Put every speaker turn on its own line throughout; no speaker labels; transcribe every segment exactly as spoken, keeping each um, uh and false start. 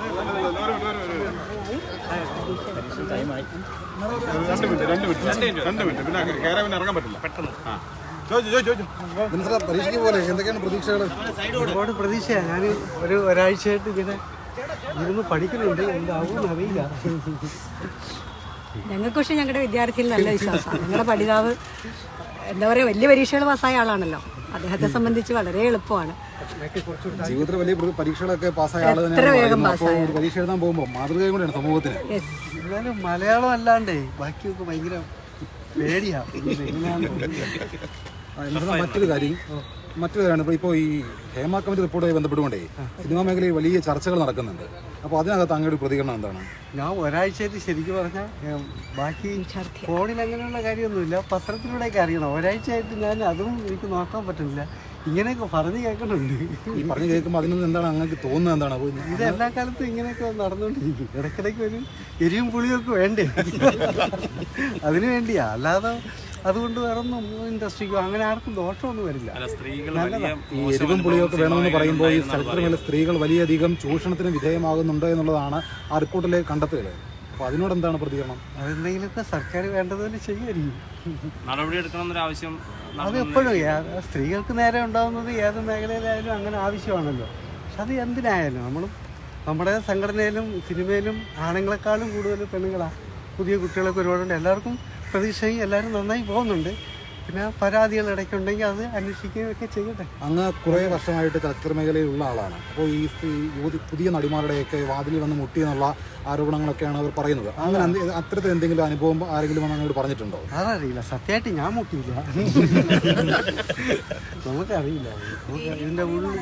രണ്ട് മിനിറ്റ് രണ്ട് മിനിറ്റ് രണ്ട് മിനിറ്റ് പിന്നെ കയറാൻ പിന്നെ ഇറങ്ങാൻ പറ്റില്ല പെട്ടെന്ന്. ആ
പരീക്ഷയ്ക്ക് പോലെ എന്തൊക്കെയാണ് പ്രതീക്ഷകൾ?
ഒരുപാട് പ്രതീക്ഷയാണ്. ഞാൻ ഒരു ഒരാഴ്ചയായിട്ട് ഇങ്ങനെ ഇരുന്ന് പഠിക്കുന്നുണ്ട്, എന്താവും അറിയില്ല.
ഞങ്ങൾക്ക് പക്ഷേ ഞങ്ങളുടെ വിദ്യാർത്ഥിയിൽ നല്ല വിശ്വാസമാണ്. ഞങ്ങളുടെ പഠിതാവ് എന്താ പറയുക, വലിയ പരീക്ഷകൾ പാസ്സായ ആളാണല്ലോ. അദ്ദേഹത്തെ സംബന്ധിച്ച് വളരെ എളുപ്പമാണ്.
ജീവിതത്തിൽ വലിയ പരീക്ഷകളൊക്കെ പാസ്സായ ആൾ
എത്ര വേഗം പാസ്സായ
പരീക്ഷ എഴുതാൻ പോകുമ്പോൾ മാതൃകയും കൂടെയാണ് സമൂഹത്തിന്.
എന്നാലും മലയാളം അല്ലാണ്ടേ ബാക്കിയൊക്കെ ഭയങ്കര പേടിയാണ്.
മറ്റൊരു കാര്യം മറ്റൊരു കാര്യമാണ് ഇപ്പോൾ ഈ ഹേമ കമ്മിറ്റി റിപ്പോർട്ടുമായി ബന്ധപ്പെട്ടുകൊണ്ടേ സിനിമാ മേഖലയിൽ വലിയ ചർച്ചകൾ നടക്കുന്നുണ്ട്. അപ്പോൾ അതിനകത്ത് അങ്ങയുടെ പ്രതികരണം എന്താണ്?
ഞാൻ ഒരാഴ്ചയായിട്ട് ശരിക്കും പറഞ്ഞാൽ ബാക്കി ഫോണിൽ അങ്ങനെയുള്ള കാര്യമൊന്നുമില്ല, പത്രത്തിലൂടെയൊക്കെ അറിയണം. ഒരാഴ്ചയായിട്ട് ഞാൻ അതും എനിക്ക് നോക്കാൻ പറ്റുന്നില്ല. ഇങ്ങനെയൊക്കെ പറഞ്ഞു കേൾക്കുന്നുണ്ട്.
ഈ പറഞ്ഞു കേൾക്കുമ്പോൾ അതിനൊന്നും എന്താണ് അങ്ങനെ തോന്നുന്നത്? എന്താണ്
ഇത് എല്ലാ കാലത്തും ഇങ്ങനെയൊക്കെ നടന്നുകൊണ്ടിരിക്കും. ഇടയ്ക്കിടയ്ക്ക് ഒരു എരിവും പുളിയൊക്കെ വേണ്ടേ, അതിനു വേണ്ടിയാ. അല്ലാതെ അതുകൊണ്ട് വേറൊന്നും ഇൻഡസ്ട്രിക്കോ അങ്ങനെ ആർക്കും ദോഷമൊന്നും വരില്ല.
ഈ എരിവും പുളിയൊക്കെ വേണമെന്ന് പറയുമ്പോൾ ഈ ചലച്ചിത്രമേഖല സ്ത്രീകൾ വലിയധികം ചൂഷണത്തിന് വിധേയമാകുന്നുണ്ട് എന്നുള്ളതാണ് ആ റിപ്പോർട്ടിലെ കണ്ടെത്തൽ. അപ്പോൾ അതിനോട് എന്താണ് പ്രതികരണം?
അതെന്തെങ്കിലുമൊക്കെ സർക്കാർ വേണ്ടതുപോലെ ചെയ്യുമായിരിക്കും.
നടപടിയെടുക്കണമെന്നൊരാവശ്യം
അത് എപ്പോഴും സ്ത്രീകൾക്ക് നേരെ ഉണ്ടാകുന്നത് ഏത് മേഖലയിലായാലും അങ്ങനെ ആവശ്യമാണല്ലോ. പക്ഷെ അത് എന്തിനായാലും നമ്മളും നമ്മുടെ സംഘടനയിലും സിനിമയിലും ആണുങ്ങളെക്കാളും കൂടുതൽ പെണ്ണുങ്ങളാണ്. പുതിയ കുട്ടികളൊക്കെ ഒരുപാടുണ്ട്. എല്ലാവർക്കും പ്രതീക്ഷയും എല്ലാവരും നന്നായി പോകുന്നുണ്ട്. പിന്നെ പരാതികൾ ഇടയ്ക്കുണ്ടെങ്കിൽ അത് അന്വേഷിക്കുകയൊക്കെ ചെയ്യട്ടെ.
അങ്ങ് കുറേ വർഷമായിട്ട് ചലച്ചിത്ര മേഖലയിലുള്ള ആളാണ്. അപ്പോൾ ഈ യുവതി പുതിയ നടിമാരുടെയൊക്കെ വാതിലിൽ വന്ന് മുട്ടി എന്നുള്ള ആരോപണങ്ങളൊക്കെയാണ് അവർ പറയുന്നത്. അങ്ങനെ അത്തരത്തിൽ എന്തെങ്കിലും അനുഭവം ആരെങ്കിലും അങ്ങോട്ട് പറഞ്ഞിട്ടുണ്ടോ?
അതറിയില്ല, സത്യമായിട്ട് ഞാൻ മുട്ടിയില്ല. നമുക്കറിയില്ല. ഇതിൻ്റെ ഉള്ളിൽ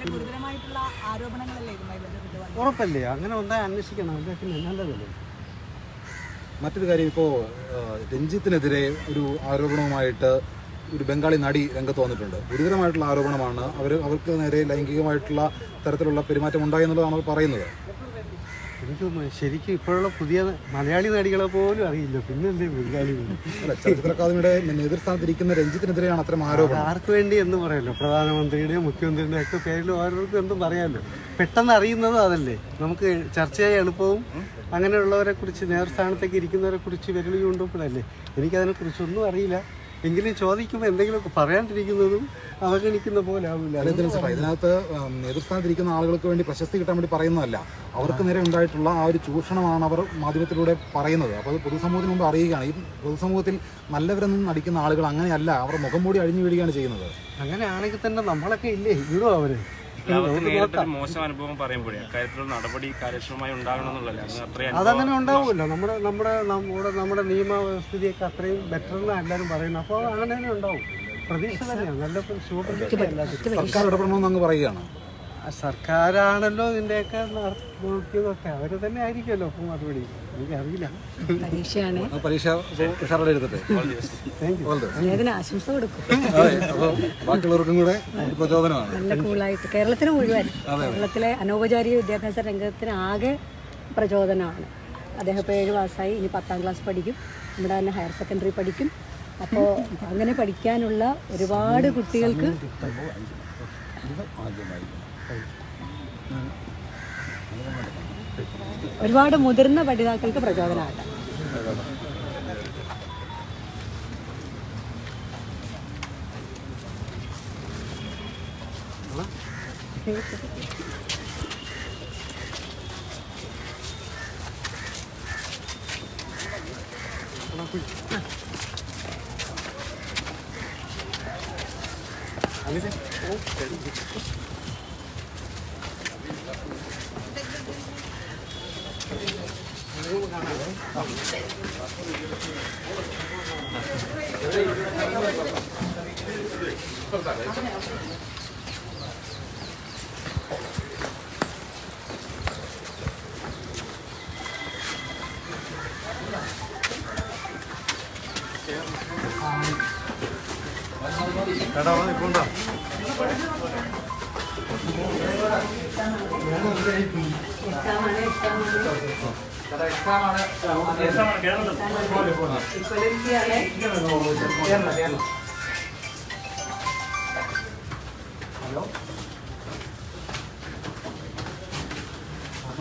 ഉറപ്പല്ലേ, അങ്ങനെ ഉണ്ടായി അന്വേഷിക്കണം. പിന്നെ നല്ലതല്ലേ.
മറ്റൊരു കാര്യം, ഇപ്പോൾ രഞ്ജിത്തിനെതിരെ ഒരു ആരോപണവുമായിട്ട് ഒരു ബംഗാളി നടി രംഗത്ത് വന്നിട്ടുണ്ട്. ഗുരുതരമായിട്ടുള്ള ആരോപണമാണ്. അവർ അവർക്ക് നേരെ ലൈംഗികമായിട്ടുള്ള തരത്തിലുള്ള പെരുമാറ്റം ഉണ്ടായി എന്നുള്ളതാണ് അവർ പറയുന്നത്.
എനിക്ക് ശരിക്കും ഇപ്പോഴുള്ള പുതിയ മലയാളി നടികളെ പോലും അറിയില്ല, പിന്നെ എന്തേ ബംഗാളി?
അല്ല, ചലച്ചിത്ര അക്കാദമിയുടെ നേതൃസ്ഥാനത്തിരിക്കുന്ന രഞ്ജിത്തിനെതിരെയാണ് അത്തരം ആരോപണം.
ആർക്ക് വേണ്ടി എന്ന് പറയുമല്ലോ, പ്രധാനമന്ത്രിയുടെയും മുഖ്യമന്ത്രിയുടെയും ഒക്കെ പേരിൽ ഓരോരുത്തർക്കും എന്തും പറയാമല്ലോ. പെട്ടെന്ന് അറിയുന്നത് അതല്ലേ, നമുക്ക് ചർച്ച ചെയ്യാൻ എളുപ്പവും. അങ്ങനെയുള്ളവരെ കുറിച്ച് നേതൃസ്ഥാനത്തേക്ക് ഇരിക്കുന്നവരെ കുറിച്ച് വിരൽ ചൂണ്ടുമ്പോഴല്ലേ. എനിക്കതിനെക്കുറിച്ചൊന്നും അറിയില്ല. എങ്കിലും ചോദിക്കുമ്പോൾ എന്തെങ്കിലുമൊക്കെ പറയാണ്ടിരിക്കുന്നതും അവഗണിക്കുന്ന പോലെ ആവില്ല.
ഇതിനകത്ത് നേതൃസ്ഥാനത്തിരിക്കുന്ന ആളുകൾക്ക് വേണ്ടി പ്രശസ്തി കിട്ടാൻ വേണ്ടി പറയുന്നതല്ല, അവർക്ക് നേരെ ഉണ്ടായിട്ടുള്ള ആ ഒരു ചൂഷണമാണ് അവർ മാധ്യമത്തിലൂടെ പറയുന്നത്. അപ്പോൾ അത് പൊതുസമൂഹത്തിന് മുമ്പ് അറിയുകയാണ്. ഈ പൊതുസമൂഹത്തിൽ നല്ലവരെന്നും നടിക്കുന്ന ആളുകൾ അങ്ങനെയല്ല, അവർ മുഖം മൂടി അഴിഞ്ഞു വീഴുകയാണ് ചെയ്യുന്നത്.
അങ്ങനെയാണെങ്കിൽ തന്നെ നമ്മളൊക്കെ ഇല്ലേ ഇടോ അവര്.
മോശം അനുഭവം പറയുമ്പോഴേ അക്കാര്യത്തിലുള്ള നടപടി കാര്യക്ഷമമായി ഉണ്ടാകണമെന്നുള്ളതല്ല.
അതങ്ങനെ ഉണ്ടാവുമല്ലോ. നമ്മുടെ നമ്മുടെ നമ്മുടെ നമ്മുടെ നിയമവ്യവസ്ഥിതിയൊക്കെ അത്രയും ബെറ്റർ എന്നാണ് എല്ലാവരും പറയുന്നത്. അപ്പോൾ അങ്ങനെ തന്നെ ഉണ്ടാവും. പ്രതീക്ഷ തന്നെയാണ്, നല്ല ശുഭപ്രതീക്ഷ.
സർക്കാർ ഇടപെടണമെന്ന് അങ്ങ് പറയുകയാണ്.
സർക്കാരാണല്ലോ ഇതിൻ്റെയൊക്കെ നോക്കിയതൊക്കെ, അവർ തന്നെ ആയിരിക്കുമല്ലോ അപ്പം മറുപടി. എനിക്കറിയില്ല.
പരീക്ഷയാണ്.
പരീക്ഷ ഉഷാറോടെ എടുത്തിട്ട്
ആശംസ കൊടുക്കും.
അപ്പോൾ ബാക്കിയുള്ളവർക്കും കൂടെ പ്രചോദനമാണ്.
നല്ല കൂളായിട്ട് കേരളത്തിന് മുഴുവൻ, കേരളത്തിലെ അനൗപചാരിക വിദ്യാഭ്യാസ രംഗത്തിന് ആകെ പ്രചോദനമാണ്. അദ്ദേഹം ഇപ്പോൾ ഏഴ് പാസ്സായി, ഇനി പത്താം ക്ലാസ് പഠിക്കും, നമ്മുടെ തന്നെ ഹയർ സെക്കൻഡറി പഠിക്കും. അപ്പോൾ അങ്ങനെ പഠിക്കാനുള്ള ഒരുപാട് കുട്ടികൾക്ക് ഒരുപാട് മുതിർന്ന പഠിതാക്കൾക്ക് പ്രചോദനമാകട്ടെ.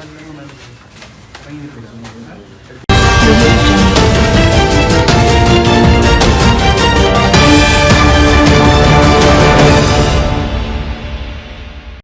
നല്ലതെന്നാണ് ഇറങ്ങിയിട്ടില്ല.